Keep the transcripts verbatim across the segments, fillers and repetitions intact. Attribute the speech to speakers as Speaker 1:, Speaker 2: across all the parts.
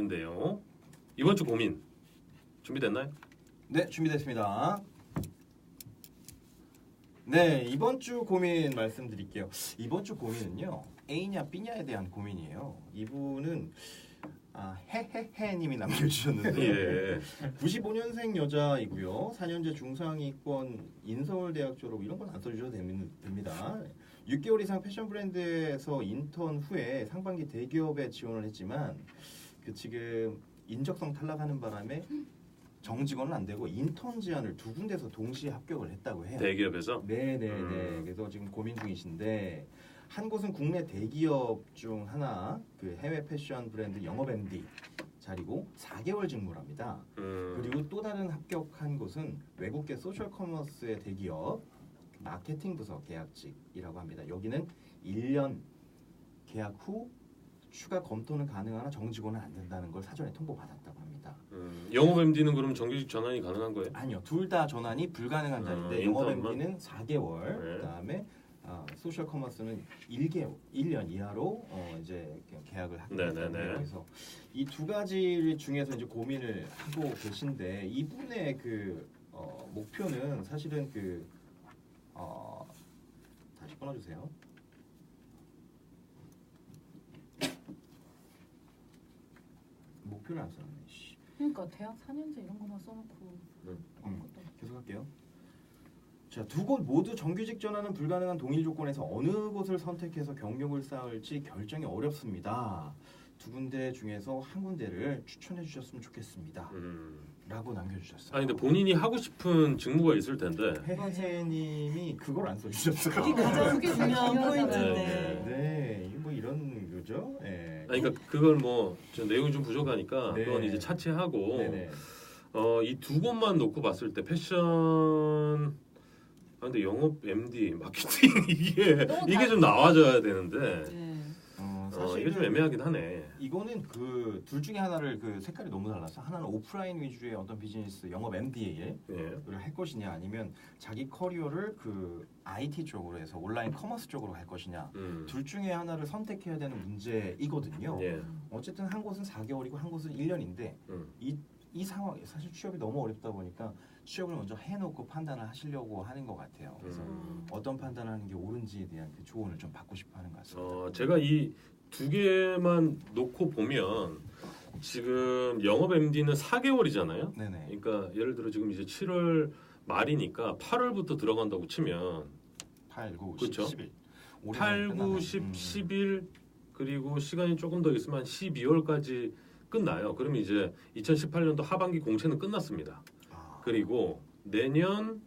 Speaker 1: 있는데요. 이번 주 고민 준비됐나요?
Speaker 2: 네, 준비됐습니다. 네, 이번 주 고민 말씀드릴게요. 이번 주 고민은요, A냐 B냐에 대한 고민이에요. 이분은 아, 헤헤헤님이 남겨주셨는데
Speaker 1: 예.
Speaker 2: 구십오 년생 여자이고요. 사 년제 중상위권 인서울대학 졸업 이런 건 안 써주셔도 됩니다. 육 개월 이상 패션 브랜드에서 인턴 후에 상반기 대기업에 지원을 했지만 그 지금 인적성 탈락하는 바람에 정직원은 안 되고 인턴 제안을 두 군데서 동시에 합격을 했다고 해요.
Speaker 1: 대기업에서?
Speaker 2: 네네네.
Speaker 1: 음.
Speaker 2: 그래서 지금 고민 중이신데 한 곳은 국내 대기업 중 하나 그 해외 패션 브랜드 영업 엠디 자리고 사 개월 직무랍니다.
Speaker 1: 음.
Speaker 2: 그리고 또 다른 합격한 곳은 외국계 소셜 커머스의 대기업 마케팅 부서 계약직이라고 합니다. 여기는 일 년 계약 후 추가 검토는 가능하나 정직원은 안 된다는 걸 사전에 통보받았다고 합니다.
Speaker 1: 음. 영업 엠디는 그럼 정규직 전환이 가능한 거예요?
Speaker 2: 아니요. 둘 다 전환이 불가능한 자리인데
Speaker 1: 음,
Speaker 2: 영업
Speaker 1: 인턴만?
Speaker 2: 엠디는 사 개월
Speaker 1: 네.
Speaker 2: 그다음에 아, 소셜 커머스는 일 개월, 일 년 이하로 어, 이제 계약을 하게
Speaker 1: 네네네.
Speaker 2: 됐는데 그래서 이 두 가지 중에서 이제 고민을 하고 계신데 이분의 그 어, 목표는 사실은 그 어, 다시 끊어주세요. 목표를 안 써놨네. 씨.
Speaker 3: 그러니까 대학 사 년제 이런 거만 써놓고
Speaker 2: 음,
Speaker 3: 아무것도.
Speaker 2: 계속할게요. 자, 두 곳 모두 정규직 전환은 불가능한 동일 조건에서 어느 곳을 선택해서 경력을 쌓을지 결정이 어렵습니다. 두 군데 중에서 한 군데를 추천해 주셨으면 좋겠습니다.
Speaker 1: 음.
Speaker 2: 라고 남겨주셨어요.
Speaker 1: 아니 근데 본인이 하고 싶은 직무가 있을 텐데.
Speaker 2: 해해님이 그걸 안 써주셨어요.
Speaker 4: 그게 가장
Speaker 3: 그게
Speaker 4: 중요한
Speaker 3: 중요하잖아요.
Speaker 4: 포인트인데.
Speaker 2: 네, 뭐 이런 거죠. 네.
Speaker 1: 아니 그러니까 그걸 뭐저 내용이 좀 부족하니까
Speaker 2: 네.
Speaker 1: 그건 이제 차치하고
Speaker 2: 네네.
Speaker 1: 어, 이 두 곳만 놓고 봤을 때 패션 아 근데 영업 엠디 마케팅 이게
Speaker 3: 너무
Speaker 1: 이게 좀
Speaker 3: 다르죠.
Speaker 1: 나와줘야 되는데
Speaker 4: 네.
Speaker 2: 어,
Speaker 1: 어,
Speaker 2: 사실
Speaker 1: 이게 좀 애매하긴 하네.
Speaker 2: 이거는 그 둘 중에 하나를 그 색깔이 너무 달라서 하나는 오프라인 위주의 어떤 비즈니스 영업 엠디를
Speaker 1: 예.
Speaker 2: 할 것이냐 아니면 자기 커리어를 그 아이티 쪽으로 해서 온라인 커머스 쪽으로 할 것이냐
Speaker 1: 음.
Speaker 2: 둘 중에 하나를 선택해야 되는 문제이거든요.
Speaker 1: 예.
Speaker 2: 어쨌든 한 곳은 사 개월이고 한 곳은 일 년인데
Speaker 1: 음.
Speaker 2: 이, 이 상황 사실 취업이 너무 어렵다 보니까 취업을 먼저 해놓고 판단을 하시려고 하는 것 같아요. 그래서
Speaker 1: 음.
Speaker 2: 어떤 판단을 하는 게 옳은지에 대한 그 조언을 좀 받고 싶어하는 것 같습니다.
Speaker 1: 어, 제가 이 두 개만 놓고 보면 지금 영업 엠디는 사 개월이잖아요.
Speaker 2: 네네.
Speaker 1: 그러니까 예를 들어 지금 이제 칠월 말이니까 팔월부터 들어간다고 치면
Speaker 2: 팔, 구,
Speaker 1: 그쵸?
Speaker 2: 십, 일.
Speaker 1: 팔, 구, 십, 십일 그리고 시간이 조금 더 있으면 한 십이월까지 끝나요. 그러면 이제 이천십팔 년도 하반기 공채는 끝났습니다.
Speaker 2: 아,
Speaker 1: 그리고 내년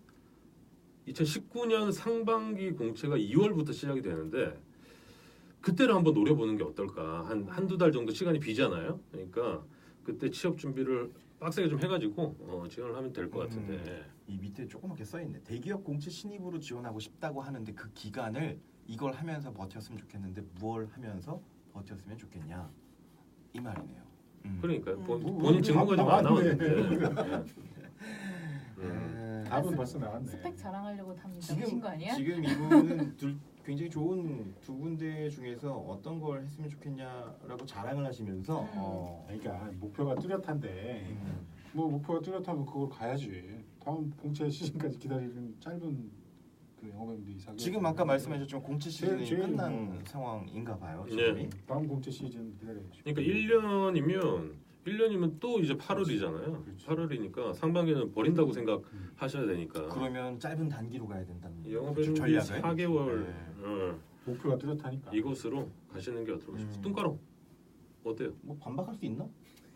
Speaker 1: 이천십구 년 상반기 공채가 이월부터 시작이 되는데 그때를 한번 노려보는 게 어떨까. 한 한두 달 정도 시간이 비잖아요. 그러니까 그때 취업 준비를 빡세게 좀 해가지고 어, 지원을 하면 될 것 같은데.
Speaker 2: 음. 이 밑에 조그맣게 써있네. 대기업 공채 신입으로 지원하고 싶다고 하는데 그 기간을 이걸 하면서 버텼으면 좋겠는데 무얼 하면서 버텼으면 좋겠냐 이 말이네요. 음.
Speaker 1: 그러니까
Speaker 4: 음.
Speaker 1: 본,
Speaker 5: 뭐,
Speaker 1: 본인 직무가 좀 안
Speaker 5: 나왔네.
Speaker 1: 나왔는데. 예. 음.
Speaker 2: 음.
Speaker 5: 답은 벌써 나왔네.
Speaker 3: 스펙 자랑하려고 담으신
Speaker 2: 지금
Speaker 3: 거 아니야?
Speaker 2: 지금 이분은 둘 굉장히 좋은 두 군데 중에서 어떤 걸 했으면 좋겠냐라고 자랑을 하시면서
Speaker 3: 음.
Speaker 2: 어,
Speaker 5: 그러니까 목표가 뚜렷한데
Speaker 2: 음,
Speaker 5: 뭐 목표가 뚜렷하면 그걸 가야지. 다음 공채 시즌까지 기다리는 짧은 그 영업인데 이상.
Speaker 2: 지금 아까 말씀하셨지만 공채 시즌이
Speaker 5: 제일
Speaker 2: 끝난
Speaker 5: 뭐.
Speaker 2: 상황인가 봐요.
Speaker 1: 네.
Speaker 2: 지금이.
Speaker 5: 다음 공채 시즌 기다려야지.
Speaker 1: 그러니까 일 년이면 일 년이면 또 이제 팔월이잖아요.
Speaker 5: 그렇지.
Speaker 1: 팔월이니까 상반기는 버린다고
Speaker 5: 음.
Speaker 1: 생각하셔야 되니까.
Speaker 2: 그러면 짧은 단기로 가야 된다는
Speaker 1: 영업에는
Speaker 2: 좀 전략을
Speaker 1: 사 개월
Speaker 2: 네.
Speaker 1: 어,
Speaker 5: 목표가 뚜렷하니까.
Speaker 1: 이곳으로 가시는 게 어떨까 싶어요.
Speaker 2: 음.
Speaker 1: 뚱가롱 어때요?
Speaker 2: 뭐 반박할 수 있나?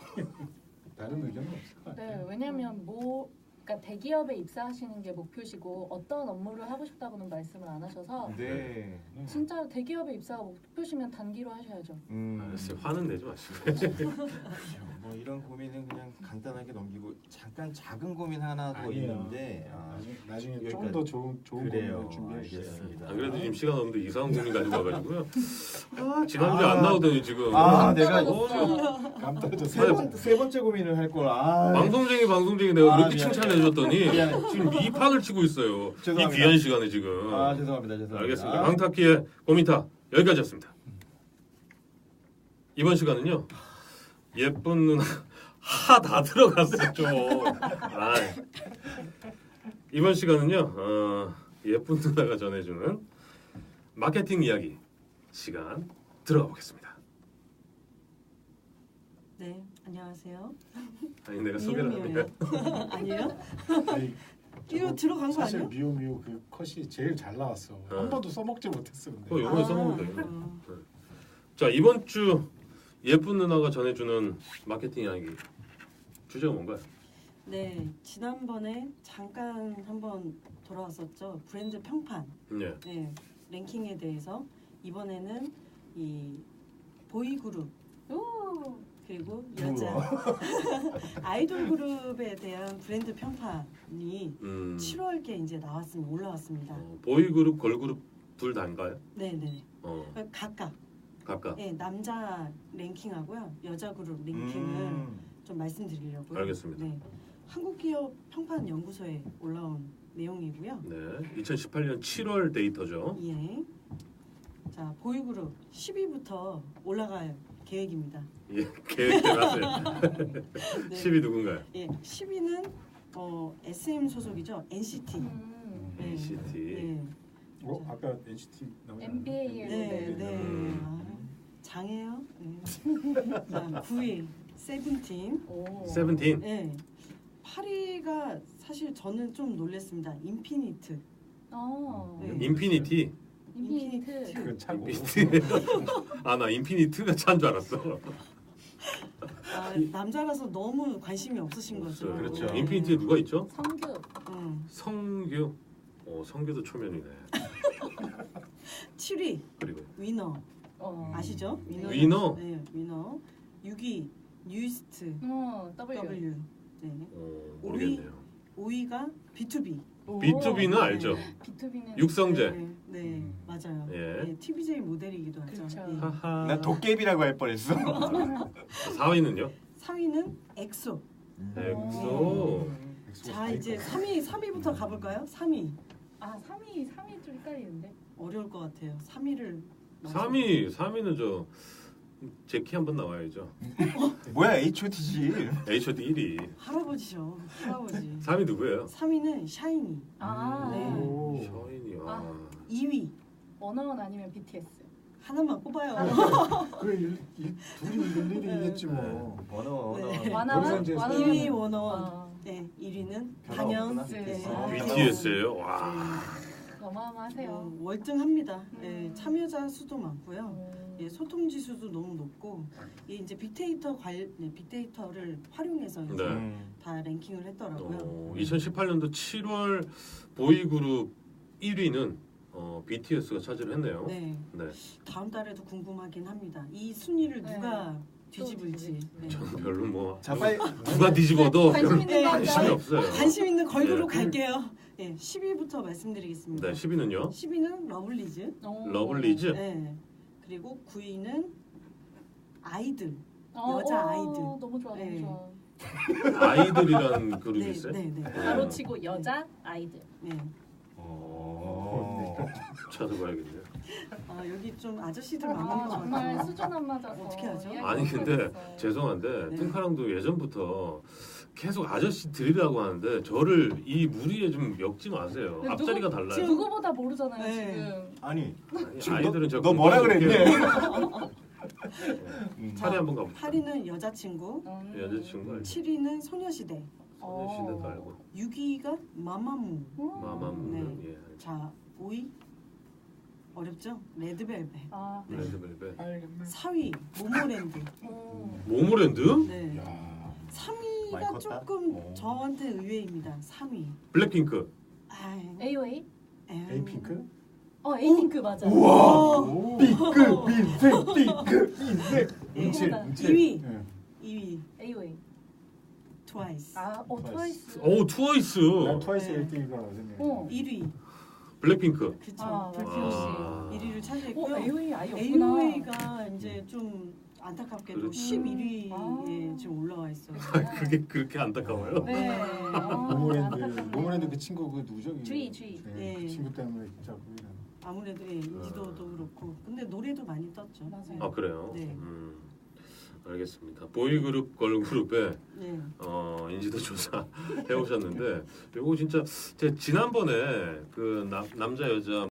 Speaker 5: 다른 의견은 없을 것 같아요.
Speaker 3: 네, 왜냐면 뭐 그러니까 대기업에 입사하시는 게 목표시고 어떤 업무를 하고 싶다고는 말씀을 안 하셔서
Speaker 2: 네.
Speaker 5: 네.
Speaker 3: 진짜 대기업에 입사가 목표시면 단기로 하셔야죠.
Speaker 2: 음.
Speaker 1: 알았어요. 화는 내지 마시고.
Speaker 2: 뭐 이런 고민은 그냥 간단하게 넘기고 잠깐 작은 고민 하나 더
Speaker 5: 아니에요.
Speaker 2: 있는데 아,
Speaker 5: 나중에 나중에
Speaker 2: 여기까지.
Speaker 5: 좀 더 좋은 좋은
Speaker 2: 그래요.
Speaker 5: 고민을 준비해 주세요.
Speaker 2: 알겠습니다.
Speaker 1: 안 그래도 지금 시간 없는데 이상한 고민 가지고 와가지고요. 아, 지난주에
Speaker 2: 아.
Speaker 1: 안 나오더니 지금.
Speaker 2: 아, 내가
Speaker 1: 어, 저-
Speaker 5: 감 떨어졌어.
Speaker 2: 세, 번, 세 번째 고민을 할 걸. 아,
Speaker 1: 방송쟁이 방송쟁이 내가
Speaker 2: 아,
Speaker 1: 그렇게
Speaker 2: 미안해.
Speaker 1: 칭찬해줬더니
Speaker 2: 미안해.
Speaker 1: 지금 이 판을 치고 있어요. 이
Speaker 2: 죄송합니다.
Speaker 1: 귀한 시간에 지금.
Speaker 2: 아 죄송합니다. 죄송합니다.
Speaker 1: 알겠습니다. 강타키의 고민타 여기까지였습니다. 이번 시간은요. 예쁜 누나 하 다 들어갔어 좀. 아, 이번 시간은요. 어, 예쁜 누나가 전해주는 마케팅 이야기 시간 들어가 보겠습니다.
Speaker 4: 네, 안녕하세요.
Speaker 1: 아니 내가 소개를
Speaker 4: 미우미우예요.
Speaker 1: 하니까
Speaker 4: 아니에요?
Speaker 5: 아니,
Speaker 4: 이거
Speaker 5: 저거
Speaker 4: 들어간 거
Speaker 5: 사실
Speaker 4: 아니에요?
Speaker 5: 미우 미우 그 컷이 제일 잘 나왔어.
Speaker 1: 어.
Speaker 5: 한 번도 써먹지 못했어. 근데.
Speaker 1: 어, 요번에 써먹으면 돼요.
Speaker 4: 어,
Speaker 1: 자 이번 주 예쁜 누나가 전해주는 마케팅 이야기 주제가 뭔가요?
Speaker 4: 네, 지난번에 잠깐 한번 돌아왔었죠. 브랜드 평판,
Speaker 1: 네.
Speaker 4: 네, 랭킹에 대해서 이번에는 이 보이그룹
Speaker 3: 오.
Speaker 4: 그리고 여자 아이돌 그룹에 대한 브랜드 평판이
Speaker 1: 음,
Speaker 4: 칠월께 이제 나왔습니다. 올라왔습니다.
Speaker 1: 어, 보이그룹, 걸그룹 둘 다인가요?
Speaker 4: 네, 네,
Speaker 1: 어,
Speaker 4: 각각
Speaker 1: 각각.
Speaker 4: 네, 남자 랭킹하고요, 여자 그룹 랭킹을
Speaker 2: 음.
Speaker 4: 좀 말씀드리려고요.
Speaker 1: 알겠습니다.
Speaker 4: 네, 한국기업 평판 연구소에 올라온 내용이고요.
Speaker 1: 네, 이천십팔 년 칠월 데이터죠.
Speaker 4: 예. 자, 보이그룹 십 위부터 올라갈 계획입니다.
Speaker 1: 예, 계획해놨어요.
Speaker 4: 네.
Speaker 1: 십 위 누군가요?
Speaker 4: 예, 십 위는 어, 에스엠 소속이죠. 엔시티.
Speaker 3: 음.
Speaker 4: 네.
Speaker 1: 엔시티.
Speaker 4: 예.
Speaker 5: 어 아까 엔시티 나오지 않았나?
Speaker 3: 엔비에이에
Speaker 4: 네, 네.
Speaker 5: 음.
Speaker 4: 아, 장해요. 네. 자, 구 위 세븐틴.
Speaker 3: 오.
Speaker 1: 세븐틴.
Speaker 4: 예. 팔 위가 사실 저는 좀 놀랐습니다. 인피니트.
Speaker 3: 어.
Speaker 4: 네.
Speaker 1: 인피니티.
Speaker 3: 인피니트.
Speaker 5: 그건 차고.
Speaker 1: 인피니티. 아 나 인피니트가 찬 줄 알았어.
Speaker 4: 아, 남자라서 너무 관심이 없으신 거죠.
Speaker 1: 없어요.
Speaker 2: 그렇죠.
Speaker 4: 네.
Speaker 1: 인피니티에 누가 있죠?
Speaker 3: 성규.
Speaker 4: 음.
Speaker 1: 성규. 어 성규도 초면이네.
Speaker 4: 칠 위
Speaker 1: 그리고
Speaker 4: 위너.
Speaker 3: 어.
Speaker 4: 아시죠? 위너.
Speaker 1: 위너?
Speaker 4: 네, 위너. 육 위 뉴이스트
Speaker 3: 어. W.
Speaker 4: W. 네.
Speaker 1: 어, 모르겠네요.
Speaker 4: 오 위가 비투비.
Speaker 3: 오.
Speaker 1: 비투비는 알죠.
Speaker 3: 비투비는
Speaker 1: 육성재.
Speaker 4: 네, 네,
Speaker 5: 음.
Speaker 4: 맞아요.
Speaker 1: 예.
Speaker 4: 네, 티비제이 모델이기도 하죠.
Speaker 3: 그렇죠.
Speaker 4: 예.
Speaker 1: 하하.
Speaker 2: 나 도깨비라고 할 뻔했어.
Speaker 1: 사 위는요?
Speaker 4: 삼 위는 엑소.
Speaker 1: 엑소.
Speaker 4: 자, 이제 삼 위 삼 위부터 가볼까요? 삼 위.
Speaker 3: 아, 삼 위, 삼 위 좀 헷갈리는데.
Speaker 4: 어려울 것 같아요. 삼 위를
Speaker 1: 삼 위. 삼 위는 저 제키 한번 나와야죠.
Speaker 2: 뭐야 에이치오티지.
Speaker 1: 에이치오티 일 위.
Speaker 4: 할아버지죠. 할아버지.
Speaker 1: 삼 위 누구예요?
Speaker 4: 삼 위는 샤이니.
Speaker 3: 아,
Speaker 4: 네.
Speaker 5: 오.
Speaker 1: 셔인이. 와.
Speaker 3: 아.
Speaker 4: 이 위
Speaker 3: 원어원 아니면 비티에스.
Speaker 4: 하나만 뽑아요.
Speaker 5: 그래 이, 이 둘이 일일이겠지 뭐.
Speaker 2: 네. 원어 원어.
Speaker 4: 네.
Speaker 3: 와나와?
Speaker 5: 원산지에서
Speaker 3: 와나와?
Speaker 4: 이 위 원어원.
Speaker 3: 어.
Speaker 4: 네, 일 위는
Speaker 2: 변화
Speaker 4: 단연.
Speaker 2: 없구나.
Speaker 4: 네.
Speaker 3: 아,
Speaker 1: 비티에스예요. 와.
Speaker 4: 네.
Speaker 3: 어마어마하세요.
Speaker 4: 어, 월등합니다. 예,
Speaker 3: 음.
Speaker 4: 참여자 수도 많고요.
Speaker 3: 음.
Speaker 4: 예, 소통 지수도 너무 높고 예, 이제 빅데이터 관 네, 빅데이터를 활용해서 이제
Speaker 1: 네.
Speaker 2: 음.
Speaker 4: 다 랭킹을 했더라고요.
Speaker 1: 어, 이천십팔 년도 칠월 보이그룹 일 위는 어, 비티에스가 차지를 했네요.
Speaker 4: 네,
Speaker 1: 네.
Speaker 4: 다음 달에도 궁금하긴 합니다. 이 순위를
Speaker 3: 네.
Speaker 4: 누가 뒤집을지. 네.
Speaker 1: 저는 별로 뭐
Speaker 2: 자 빨리.
Speaker 1: 누가 뒤집어도
Speaker 3: 관심
Speaker 1: 별로
Speaker 3: 있는 거
Speaker 1: 관심이
Speaker 3: 할까요?
Speaker 1: 없어요.
Speaker 4: 관심 있는 걸그룹
Speaker 1: 예.
Speaker 4: 갈게요. 예, 십 위부터 말씀드리겠습니다.
Speaker 1: 네, 십 위는요?
Speaker 4: 십 위는 러블리즈.
Speaker 3: 오.
Speaker 1: 러블리즈.
Speaker 4: 네. 그리고 구 위는 아이들.
Speaker 3: 어,
Speaker 4: 여자
Speaker 3: 어,
Speaker 4: 아이들.
Speaker 3: 너무 좋아, 너무
Speaker 4: 네.
Speaker 3: 좋아.
Speaker 1: 아이들이라는 그룹이
Speaker 4: 네,
Speaker 1: 있어요?
Speaker 4: 네, 네.
Speaker 3: 바로 치고 여자 아이들.
Speaker 4: 네.
Speaker 2: 어.
Speaker 1: 찾아봐야겠네요.
Speaker 4: 아, 여기 좀 아저씨들 많은
Speaker 3: 아,
Speaker 4: 것
Speaker 3: 정말
Speaker 4: 같아요.
Speaker 3: 수준 안 맞아서
Speaker 4: 어떻게 하죠?
Speaker 3: 이야기가
Speaker 1: 아니 근데
Speaker 3: 어려웠어요.
Speaker 1: 죄송한데
Speaker 4: 네.
Speaker 1: 팅카랑도 예전부터 계속 아저씨 들이라고 하는데 저를 이 무리에 좀 엮지 마세요.
Speaker 3: 근데
Speaker 1: 앞자리가
Speaker 3: 누구-
Speaker 1: 달라요.
Speaker 3: 누구보다 모르잖아요
Speaker 4: 네.
Speaker 3: 지금.
Speaker 2: 아니
Speaker 1: 아니,
Speaker 2: 지금
Speaker 1: 아이들은
Speaker 2: 너,
Speaker 1: 저
Speaker 2: 너 뭐라 그랬네.
Speaker 1: 음, 차례 한번 가봅시다.
Speaker 4: 팔 위는 여자친구,
Speaker 3: 음.
Speaker 1: 여자친구 알죠?
Speaker 4: 칠 위는 소녀시대,
Speaker 1: 소녀시대도 알고
Speaker 4: 육 위가 마마무.
Speaker 3: 음.
Speaker 1: 마마무는 예.
Speaker 4: 자, 오 위 어렵죠? 레드벨벳.
Speaker 3: 아,
Speaker 4: 네.
Speaker 1: 레드벨벳.
Speaker 5: 알겠네.
Speaker 4: 사 위 모모랜드.
Speaker 3: 음.
Speaker 1: 모모랜드?
Speaker 4: 네.
Speaker 5: 야.
Speaker 4: 삼
Speaker 2: 많이
Speaker 4: 위가
Speaker 2: 컸다?
Speaker 4: 조금
Speaker 2: 어.
Speaker 4: 저한테 의외입니다. 삼 위.
Speaker 1: 블랙핑크.
Speaker 4: 아,
Speaker 3: 에이오에이?
Speaker 5: 에이핑크?
Speaker 3: 어, 에이핑크 맞아.
Speaker 2: 우와.
Speaker 5: 오.
Speaker 2: 삐끗 삐끗 삐끗 삐끗.
Speaker 4: 예.
Speaker 5: 음칠
Speaker 3: 이
Speaker 5: 음칠.
Speaker 4: 이 위.
Speaker 5: 예.
Speaker 4: 이 위
Speaker 3: 에이오에이.
Speaker 4: 트와이스.
Speaker 3: 아, 어, 트와이스.
Speaker 1: 오 트와이스.
Speaker 5: 난 트와이스
Speaker 4: 네.
Speaker 5: 일 등이가 생각해.
Speaker 3: 어.
Speaker 4: 일 위.
Speaker 1: 블랙핑크.
Speaker 4: 그쵸.
Speaker 3: 아,
Speaker 4: 불피오시.
Speaker 1: 아.
Speaker 4: 일 위를
Speaker 3: 어,
Speaker 4: 차지했고요.
Speaker 3: 에이오에이 아예 없구나.
Speaker 4: 에이오에이가 이제 좀 안타깝게도
Speaker 1: 그렇죠.
Speaker 4: 십일 위에
Speaker 3: 아.
Speaker 4: 지금 올라와 있어요.
Speaker 1: 그게 그렇게 안타까워요?
Speaker 3: 네. 아,
Speaker 5: 모모랜드
Speaker 3: 안타깝네요.
Speaker 5: 모모랜드 그 친구 그 누구죠?
Speaker 3: 주희, 주희.
Speaker 5: 네,
Speaker 4: 예.
Speaker 5: 그 친구 때문에 진짜 그냥
Speaker 4: 아무래도 예, 인지도도 그렇고 근데 노래도 많이 떴죠.
Speaker 3: 맞아요.
Speaker 1: 아 그래요?
Speaker 4: 네.
Speaker 1: 음. 알겠습니다. 보이그룹 걸그룹의
Speaker 4: 네.
Speaker 1: 어, 인지도 조사 해오셨는데 이거 진짜 제 지난번에 그 남, 남자 여자